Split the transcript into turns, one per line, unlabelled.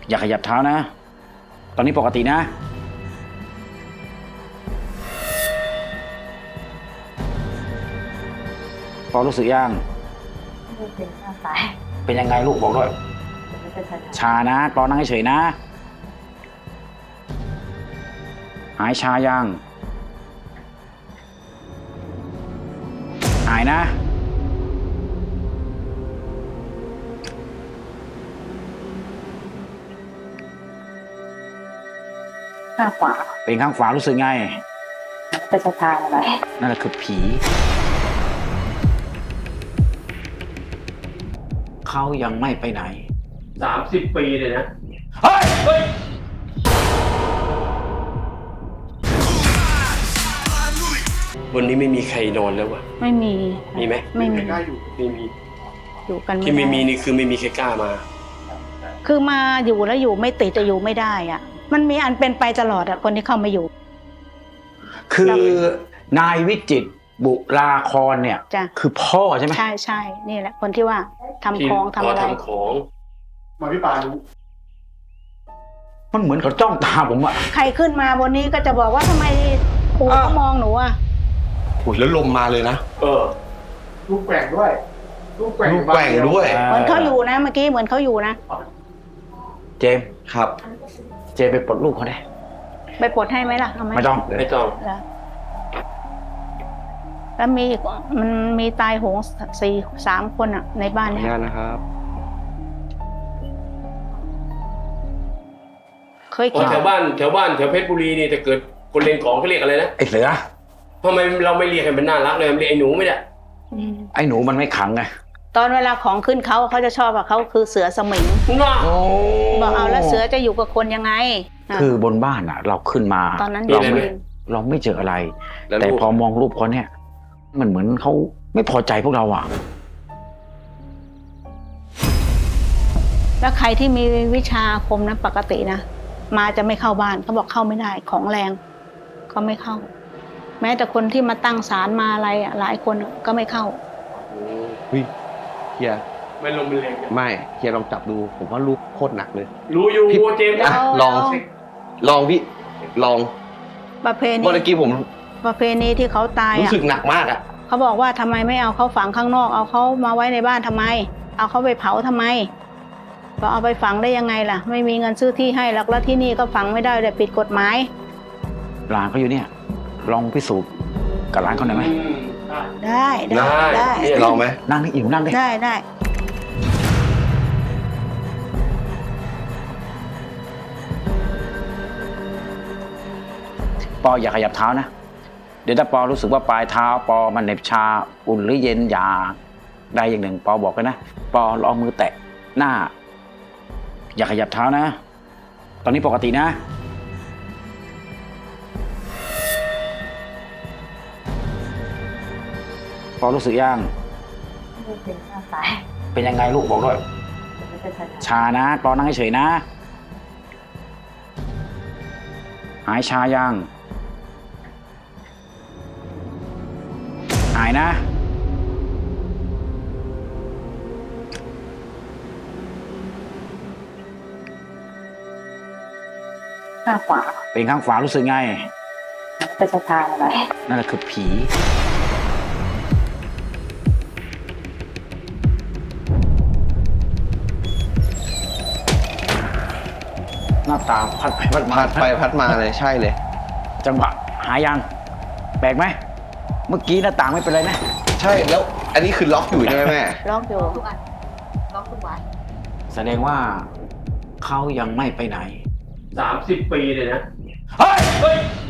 อย่าขยับเท้านะ ตอนนี้ปกตินะพอรู้สึกยัง
เป็นข้างซ้าย
เป็นยังไงลูกบอกด้วย
เป็นชา
ชานะปอนั่งเฉยๆนะ หายชายัง หายนะ
ข้างขวา
เป็นข้างขวารู้สึกไง
เป็นชาอะไร
นั่นแหละคือผี เขายังไม่ไปไหน
30 ปีเลยนะ
เฮ้ย
เฮ้ย วันนี้ไม่มีใครนอนแล้ววะ
ไม่มี
มีไหม
ไม่มี
ไม่มี
อยู่กัน
ที่ไม่มี
ด้
นี่คือไม่มีใครกล้ามา
คือมาอยู่แล้วอยู่ไม่ติดจะอยู่ไม่ได้อ่ะ มันมีอันเป็นไปตลอดอ่ะคนที่เข้ามาอยู่
คือนายวิจิตรบุราครเนี่ย
จ้ะ
คือพ่อใช่ไหม
ใช่ใช่นี่แหละ คนที่ว่าทำของทำอะไร
ทำของ
มาพี่ปารู้
มันเหมือนเขาจ้องตาผมอะ
ใครขึ้นมาบนนี้ก็จะบอกว่าทำไมปู่เขามองหนูอ่ะ
โอ้ยแล้วลมมาเลยนะ
เออ
ลูกแกว่งด้วย ลูกแกว่ง
ลูกแกว่งด้วย
เหมือนเขาอยู่นะเมื่อกี้เหมือนเขาอยู่นะ
เจมส์
ครับ
เจมส์ไปปลดลูกเขาได้
ไปปลดให้ไหมล่ะเอาไหม
ไม่ต้อง
ไม่ต้อง
แล้วแล้วมีอีกมันมีตายโหง3 คนอ่ะ ในบ้าน
ขออนุ
เนี่ย
ญาตนะครับ
เคย
อ๋อ
คิด
แถวบ้านแถวเพชรบุรีนี่แต่เกิดคนเล่นของเขาเรียกอะไรนะ
ไอ้เสือ
ทำไมเราไม่เรียกให้มันน่ารักเลยมันเรียกไอ้หนูไม่ได้
อืม
ไอ้หนูมันไม่ขังไง
ตอนเวลาของขึ้นเขาจะชอบว่าเขาคือเสือสมิง
น่า
บอกเอาแล้วเสือจะอยู่กับคนยังไงะ
คือบนบ้านอะเราขึ้นมา
ตอนนั้น
เรา
ยัง
ไม่
ไม่
เราไม่เจออะไร
แล้ว
แต่
ลูก
พอมองรูปเขาเนี่ย มันเหมือนเขาไม่พอใจพวกเราอะ
แล้วใครที่มีวิชาอาคมนะปกตินะมาจะไม่เข้าบ้านเขาบอกเข้าไม่ได้ของแรงเขาไม่เข้า แม้แต่คนที่มาตั้งศาลมาอะไรอะหลายคนอะก็ไม่เข้า
เฮ้ยเฮีย
ไม่ลงเป็นแรงกัน
ไม่เฮียลองจับดู ผมว่าลูกโคตรหนักเลย
รู้อยู่
พี่
เจมส์
อ่ะ
นะ
ลอง ลองพี่ ลอง
ประเพณี
เมื่อกี้ผม
ประเพณีที่เขาตาย
รู้
อ่ะ
สึกหนักมากอ่ะ
เขาบอกว่าทำไมไม่เอาเขาฝังข้างนอก เอาเขามาไว้ในบ้านทำไม เอาเขาไปเผาทำไมก็เอาไปฝังได้ยังไงล่ะ ไม่มีเงินซื้อที่ให้หรอกแล้วที่นี่ก็ฝังไม่ได้เลยผิดกฎหมาย
หลานเขาอยู่เนี่ย ลองพิสูจน์กับหลานเขาหน่อยไหม
ได้ได้
ได้
ได้
เนี่ย
ลองไหม
นั่งนี่อิ่มนั่งดิ
ได้ได้
ปออย่าขยับเท้านะ เดี๋ยวถ้าปอรู้สึกว่าปลายเท้าปอมันเหน็บชาอุ่นหรือเย็นอย่าใดอย่างหนึ่งปอบอกกันนะปอลองมือแตะหน้า อย่าขยับเท้านะ ตอนนี้ปกตินะ ปอรู้สึกยัง
เป็นข้างซ้าย
เป็นยังไงลูกบอกด้วย
เป็นชา
ชานะปอนั่งเฉยๆนะ หายชายัง หายนะ
ข้างขวา
เป็นข้างขวารู้สึกไง
เป็นชาอะไร
นั่นแหละคือผี หน้าตาพัดไปพัดมา
พัดไปพัดมาเลยใช่เลย
จังหวะหายยัง แปลกไหม เมื่อกี้หน้าต่างไม่เป็นไรนะ
ใช่แล้ว อันนี้คือล็อกอยู่ใช่ไหมแม่
ล็อกอยู่
แสดงว่าเขายังไม่ไปไหน
30 ปีเลยนะ
เฮ้ย
เฮ้ย